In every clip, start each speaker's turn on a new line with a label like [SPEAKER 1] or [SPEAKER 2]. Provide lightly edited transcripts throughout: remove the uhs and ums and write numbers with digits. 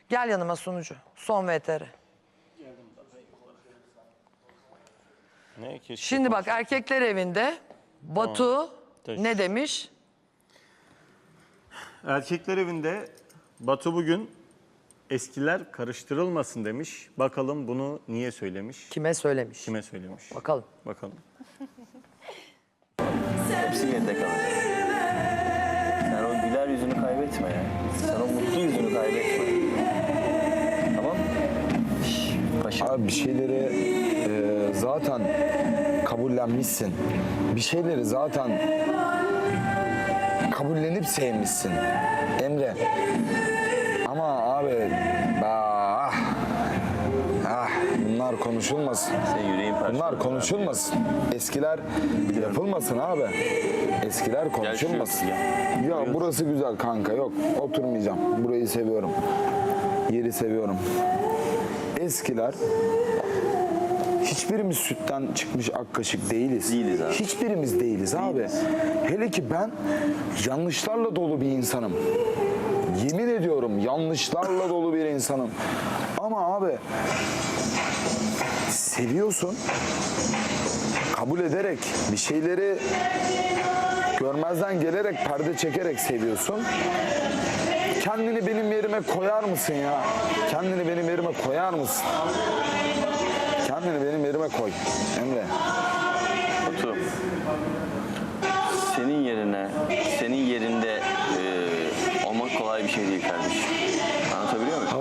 [SPEAKER 1] Gel yanıma sunucu. Son VTR. Şimdi bak erkekler evinde Batu ne demiş?
[SPEAKER 2] Erkekler evinde Batu bugün eskiler karıştırılmasın demiş. Bakalım bunu niye söylemiş?
[SPEAKER 1] Kime söylemiş?
[SPEAKER 2] Kime söylemiş?
[SPEAKER 1] Bakalım.
[SPEAKER 2] Bakalım.
[SPEAKER 3] Hepsi geride kalır. Sen o güler yüzünü kaybetme ya. Sen o mutlu yüzünü kaybetme. Tamam mı? Paşa.
[SPEAKER 4] Abi bir şeyleri zaten kabullenmişsin. Bir şeyleri zaten kabullenip sevmişsin. Emre. Ama abi bunlar konuşulmasın.
[SPEAKER 3] Senin yüreğin parçalanır.
[SPEAKER 4] Bunlar konuşulmasın. Eskiler yapılmasın abi. Eskiler konuşulmasın. Ya burası güzel kanka, yok oturmayacağım. Burayı seviyorum. Yeri seviyorum. Eskiler hiçbirimiz sütten çıkmış ak kaşık değiliz.
[SPEAKER 3] Değiliz abi.
[SPEAKER 4] Hiçbirimiz değiliz abi. Hele ki ben yanlışlarla dolu bir insanım. Yemin ediyorum yanlışlarla dolu bir insanım. Ama abi seviyorsun. Kabul ederek bir şeyleri görmezden gelerek, perde çekerek seviyorsun. Kendini benim yerime koyar mısın ya? Kendini benim yerime koyar mısın? Kendini benim yerime koy Emre.
[SPEAKER 3] Batu. Senin yerinde olmak kolay bir şey değil kardeşim. Anlatabiliyor muyum?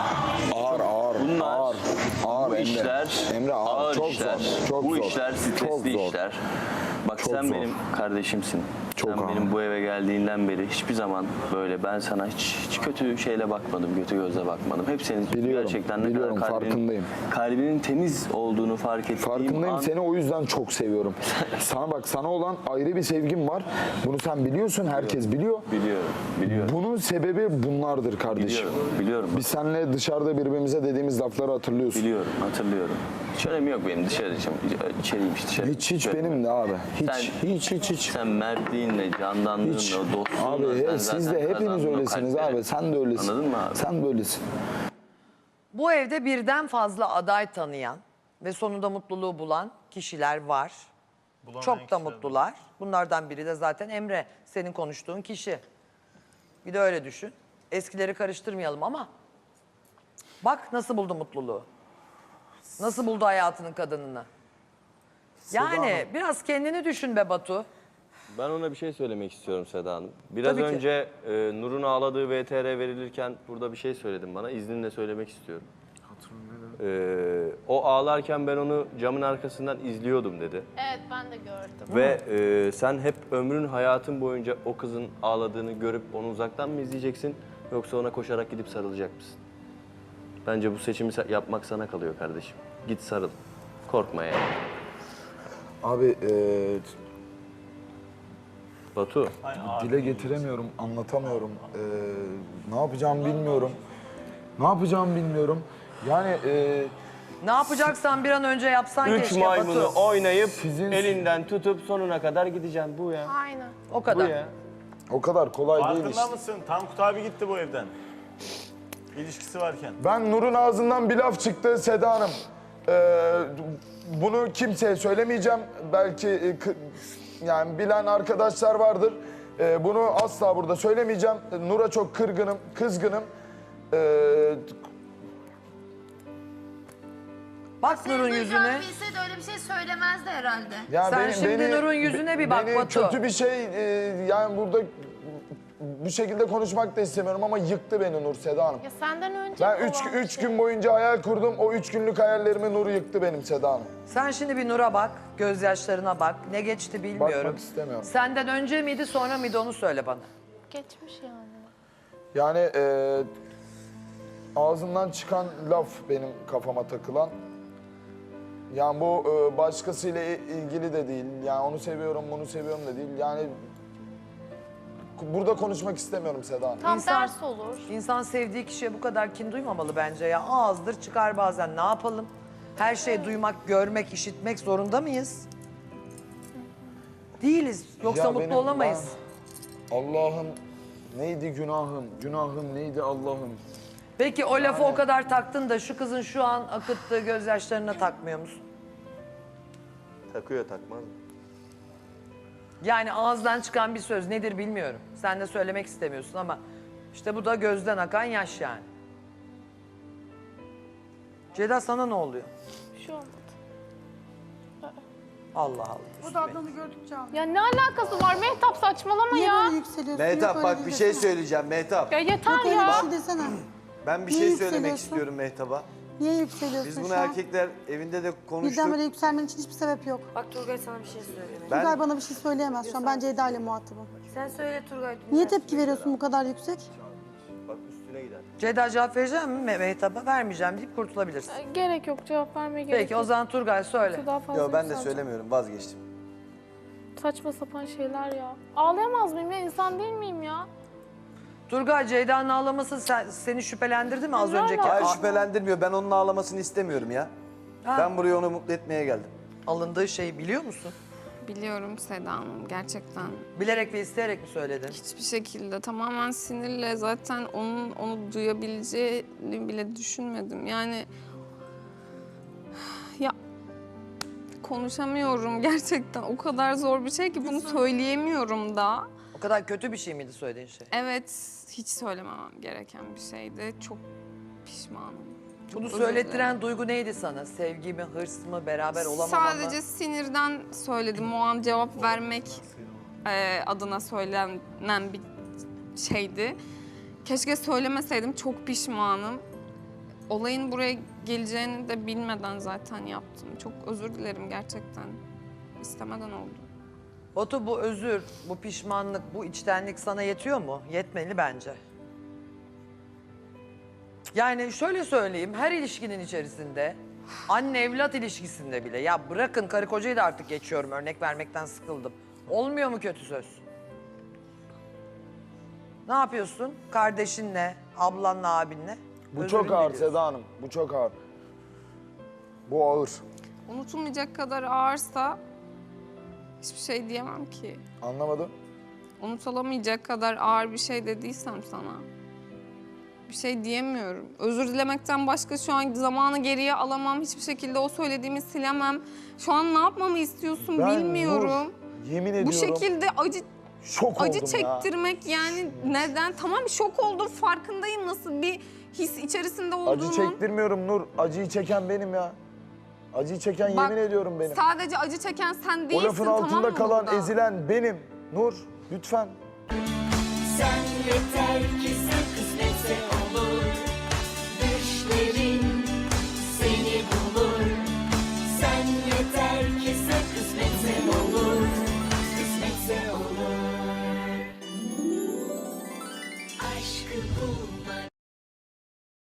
[SPEAKER 4] Ağır
[SPEAKER 3] Bu
[SPEAKER 4] Emre.
[SPEAKER 3] işler
[SPEAKER 4] Emre ağır, çok
[SPEAKER 3] işler.
[SPEAKER 4] zor. Çok
[SPEAKER 3] bu
[SPEAKER 4] zor.
[SPEAKER 3] işler stresli
[SPEAKER 4] Çok zor.
[SPEAKER 3] işler. Bak
[SPEAKER 4] Çok
[SPEAKER 3] sen
[SPEAKER 4] zor.
[SPEAKER 3] benim kardeşimsin.
[SPEAKER 4] Çok
[SPEAKER 3] sen
[SPEAKER 4] ağır.
[SPEAKER 3] benim bu eve geldiğinden beri hiçbir zaman böyle ben sana hiç kötü şeyle bakmadım, kötü gözle bakmadım. Hep senin
[SPEAKER 4] Biliyorum,
[SPEAKER 3] gerçekten ne
[SPEAKER 4] biliyorum,
[SPEAKER 3] kadar
[SPEAKER 4] farkındayım.
[SPEAKER 3] kalbinin temiz olduğunu fark ettiğim
[SPEAKER 4] Farkındayım,
[SPEAKER 3] an...
[SPEAKER 4] seni o yüzden çok seviyorum. Sana olan ayrı bir sevgim var. Bunu sen biliyorsun, herkes biliyor.
[SPEAKER 3] Biliyorum.
[SPEAKER 4] Bunun sebebi bunlardır kardeşim.
[SPEAKER 3] Biliyorum.
[SPEAKER 4] Biz seninle dışarıda birbirimize dediğimiz lafları hatırlıyorsun.
[SPEAKER 3] Biliyorum, hatırlıyorum. Hiç önemi yok benim içeriymiş dışarı.
[SPEAKER 4] Hiç benim de abi. Hiç.
[SPEAKER 3] Sen mertliğinle, candanlığınla,
[SPEAKER 4] Hiç.
[SPEAKER 3] dostluğunla...
[SPEAKER 4] Abi siz de hepiniz öylesiniz abi. Sen de öylesin.
[SPEAKER 3] Anladın mı abi?
[SPEAKER 4] Sen de öylesin.
[SPEAKER 1] Bu evde birden fazla aday tanıyan ve sonunda mutluluğu bulan kişiler var. Çok da mutlular. Bunlardan biri de zaten Emre, senin konuştuğun kişi. Bir de öyle düşün. Eskileri karıştırmayalım ama bak nasıl buldu mutluluğu. Nasıl buldu hayatının kadınını. Yani biraz kendini düşün be Batu.
[SPEAKER 5] Ben ona bir şey söylemek istiyorum Seda Hanım. Biraz
[SPEAKER 1] Tabii ki.
[SPEAKER 5] önce Nur'un ağladığı VTR verilirken burada bir şey söyledin bana. İzninle söylemek istiyorum. O ağlarken ben onu camın arkasından izliyordum dedi.
[SPEAKER 6] Evet, ben de gördüm.
[SPEAKER 5] Ve sen hep ömrün, hayatın boyunca o kızın ağladığını görüp onu uzaktan mı izleyeceksin? Yoksa ona koşarak gidip sarılacak mısın? Bence bu seçimi yapmak sana kalıyor kardeşim. Git sarıl. Korkma yani.
[SPEAKER 4] Abi
[SPEAKER 5] Batu.
[SPEAKER 4] dile getiremiyorum, anlatamıyorum. Ne yapacağımı bilmiyorum. Yani
[SPEAKER 1] Ne yapacaksan bir an önce yapsan
[SPEAKER 5] 3
[SPEAKER 1] keşke
[SPEAKER 5] maymunu
[SPEAKER 1] Batu.
[SPEAKER 5] oynayıp
[SPEAKER 4] Sizin-
[SPEAKER 5] elinden tutup sonuna kadar gideceğim. Bu ya.
[SPEAKER 6] Aynen.
[SPEAKER 1] O
[SPEAKER 5] Bu
[SPEAKER 1] kadar.
[SPEAKER 5] ya.
[SPEAKER 4] o kadar kolay değil işte.
[SPEAKER 2] Farkında mısın? Tankut abi gitti bu evden. İlişkisi varken.
[SPEAKER 4] Ben Nur'un ağzından bir laf çıktı Seda Hanım. Bunu kimseye söylemeyeceğim. Belki yani bilen arkadaşlar vardır. Bunu asla burada söylemeyeceğim. Nur'a çok kızgınım.
[SPEAKER 1] Bak Nur'un yüzüne.
[SPEAKER 6] Bilseydi öyle bir şey söylemezdi herhalde.
[SPEAKER 4] Ya
[SPEAKER 1] Sen şimdi Nur'un yüzüne bir bak
[SPEAKER 4] beni
[SPEAKER 1] Batu.
[SPEAKER 4] kötü bir şey yani burada bu şekilde konuşmak da istemiyorum ama yıktı beni Nur, Seda Hanım.
[SPEAKER 6] Ya senden önce
[SPEAKER 4] Ben
[SPEAKER 6] olan
[SPEAKER 4] üç
[SPEAKER 6] şey.
[SPEAKER 4] gün boyunca hayal kurdum. O 3 günlük hayallerimi Nur yıktı benim, Seda Hanım.
[SPEAKER 1] Sen şimdi bir Nur'a bak, gözyaşlarına bak. Ne geçti bilmiyorum.
[SPEAKER 4] Bakmak istemiyorum.
[SPEAKER 1] Senden önce miydi sonra mıydı onu söyle bana.
[SPEAKER 6] Geçmiş yani.
[SPEAKER 4] Yani ağzından çıkan laf benim kafama takılan. Yani bu başkasıyla ilgili de değil. Yani onu seviyorum, bunu seviyorum da değil. Yani burada konuşmak istemiyorum Seda Hanım.
[SPEAKER 6] Tam
[SPEAKER 1] İnsan-
[SPEAKER 6] ders olur.
[SPEAKER 1] İnsan sevdiği kişiye bu kadar kin duymamalı bence ya. Ağızdır çıkar bazen, ne yapalım? Her şeyi duymak, görmek, işitmek zorunda mıyız? Değiliz. Yoksa
[SPEAKER 4] Ya
[SPEAKER 1] mutlu
[SPEAKER 4] benim-
[SPEAKER 1] olamayız.
[SPEAKER 4] Allah'ım neydi günahım? Günahım neydi Allah'ım?
[SPEAKER 1] Peki o lafı o kadar taktın da şu kızın şu an akıttığı gözyaşlarına takmıyor musun?
[SPEAKER 5] Takıyor takmaz mı?
[SPEAKER 1] Yani ağızdan çıkan bir söz nedir bilmiyorum. Sen de söylemek istemiyorsun ama işte bu da gözden akan yaş yani. Ceyda sana ne oluyor?
[SPEAKER 6] Bir şey olmadı.
[SPEAKER 1] Allah Allah.
[SPEAKER 7] O da Adnan'ı gördükçe ağlıyor.
[SPEAKER 6] Ya ne alakası var Mehtap, saçmalama
[SPEAKER 7] Niye
[SPEAKER 6] ya.
[SPEAKER 7] böyle yükseliyorsun?
[SPEAKER 8] Mehtap
[SPEAKER 7] Yok
[SPEAKER 8] bak
[SPEAKER 7] öyle
[SPEAKER 8] bir
[SPEAKER 7] desene.
[SPEAKER 8] şey söyleyeceğim Mehtap.
[SPEAKER 6] Ya yeter
[SPEAKER 7] Yok öyle
[SPEAKER 6] ya.
[SPEAKER 7] bir şey desene.
[SPEAKER 8] Ben bir
[SPEAKER 7] Niye
[SPEAKER 8] şey söylemek
[SPEAKER 7] yükseliyorsun?
[SPEAKER 8] istiyorum Mehtap'a.
[SPEAKER 7] Niye yükseliyorsun
[SPEAKER 8] Biz bunu
[SPEAKER 7] şu an?
[SPEAKER 8] erkekler evinde de konuştuk.
[SPEAKER 7] Birdenbire yükselmen için hiçbir sebep yok.
[SPEAKER 9] Bak Turgay sana bir şey söyleyeyim.
[SPEAKER 8] Ben
[SPEAKER 7] Turgay bana bir şey söyleyemez şu an. Ben Ceyda ile muhatabım.
[SPEAKER 9] Sen söyle Turgay.
[SPEAKER 7] Niye tepki veriyorsun bu kadar yüksek?
[SPEAKER 5] Bak üstüne gider.
[SPEAKER 1] Ceyda cevap vereceğim mi Mehtap'a? Vermeyeceğim deyip kurtulabilirsin.
[SPEAKER 6] Gerek yok, cevap vermeye gerek
[SPEAKER 1] Peki
[SPEAKER 6] yok.
[SPEAKER 1] o zaman Turgay söyle.
[SPEAKER 6] Daha fazla
[SPEAKER 8] Yo ben de
[SPEAKER 6] yükseleceğim.
[SPEAKER 8] söylemiyorum vazgeçtim.
[SPEAKER 6] Saçma sapan şeyler ya. Ağlayamaz mıyım ya? İnsan değil miyim ya?
[SPEAKER 1] Turgay, Ceyda'nın ağlaması seni şüphelendirdi mi az
[SPEAKER 6] Güzel
[SPEAKER 1] önceki?
[SPEAKER 6] ama.
[SPEAKER 8] Hayır şüphelendirmiyor. Ben onun ağlamasını istemiyorum ya. Ben buraya onu mutlu etmeye geldim.
[SPEAKER 1] Alındığı şeyi biliyor musun?
[SPEAKER 10] Biliyorum Seda Hanım, gerçekten
[SPEAKER 1] Bilerek ve isteyerek mi söyledin?
[SPEAKER 10] hiçbir şekilde tamamen sinirle zaten onu duyabileceğini bile düşünmedim. Yani ya konuşamıyorum gerçekten, o kadar zor bir şey ki bunu söyleyemiyorum da.
[SPEAKER 1] O kadar kötü bir şey miydi söylediğin şey?
[SPEAKER 10] Evet, hiç söylememem gereken bir şeydi. Çok pişmanım. Çok
[SPEAKER 1] Bunu
[SPEAKER 10] özür
[SPEAKER 1] söylettiren
[SPEAKER 10] dilerim.
[SPEAKER 1] duygu neydi sana? Sevgi mi, hırs mı, beraber olamama mı?
[SPEAKER 10] Sadece sinirden söyledim. O an cevap vermek adına söylenen bir şeydi. Keşke söylemeseydim. Çok pişmanım. Olayın buraya geleceğini de bilmeden zaten yaptım. Çok özür dilerim gerçekten. İstemeden oldu.
[SPEAKER 1] Batu, bu özür, bu pişmanlık, bu içtenlik sana yetiyor mu? Yetmeli bence. Yani şöyle söyleyeyim, her ilişkinin içerisinde, anne evlat ilişkisinde bile, ya bırakın karı kocayı da artık geçiyorum, örnek vermekten sıkıldım. Olmuyor mu kötü söz? Ne yapıyorsun? Kardeşinle, ablanla, abinle?
[SPEAKER 4] Bu
[SPEAKER 1] özürünü
[SPEAKER 4] çok ağır
[SPEAKER 1] diliyorsun.
[SPEAKER 4] Seda Hanım. Bu çok ağır. Bu ağır.
[SPEAKER 10] Unutulmayacak kadar ağırsa hiçbir şey diyemem ki.
[SPEAKER 4] Anlamadım.
[SPEAKER 10] Unutulamayacak kadar ağır bir şey dediysem sana bir şey diyemiyorum. Özür dilemekten başka şu an zamanı geriye alamam. Hiçbir şekilde o söylediğimi silemem. Şu an ne yapmamı istiyorsun
[SPEAKER 4] Ben
[SPEAKER 10] bilmiyorum.
[SPEAKER 4] Nur, yemin ediyorum.
[SPEAKER 10] Bu şekilde
[SPEAKER 4] şok
[SPEAKER 10] acı
[SPEAKER 4] oldum ya.
[SPEAKER 10] çektirmek yani neden? Tamam şok oldum, farkındayım nasıl bir his içerisinde olduğunun.
[SPEAKER 4] Acı çektirmiyorum Nur. Acıyı çeken benim ya. Acıyı çeken
[SPEAKER 10] Bak,
[SPEAKER 4] yemin ediyorum benim.
[SPEAKER 10] Sadece acı çeken sen
[SPEAKER 4] O
[SPEAKER 10] değilsin,
[SPEAKER 4] lafın
[SPEAKER 10] tamam
[SPEAKER 4] altında
[SPEAKER 10] mı
[SPEAKER 4] kalan,
[SPEAKER 10] burada?
[SPEAKER 4] ezilen benim. Nur, lütfen.
[SPEAKER 11] Sen yeter ki sen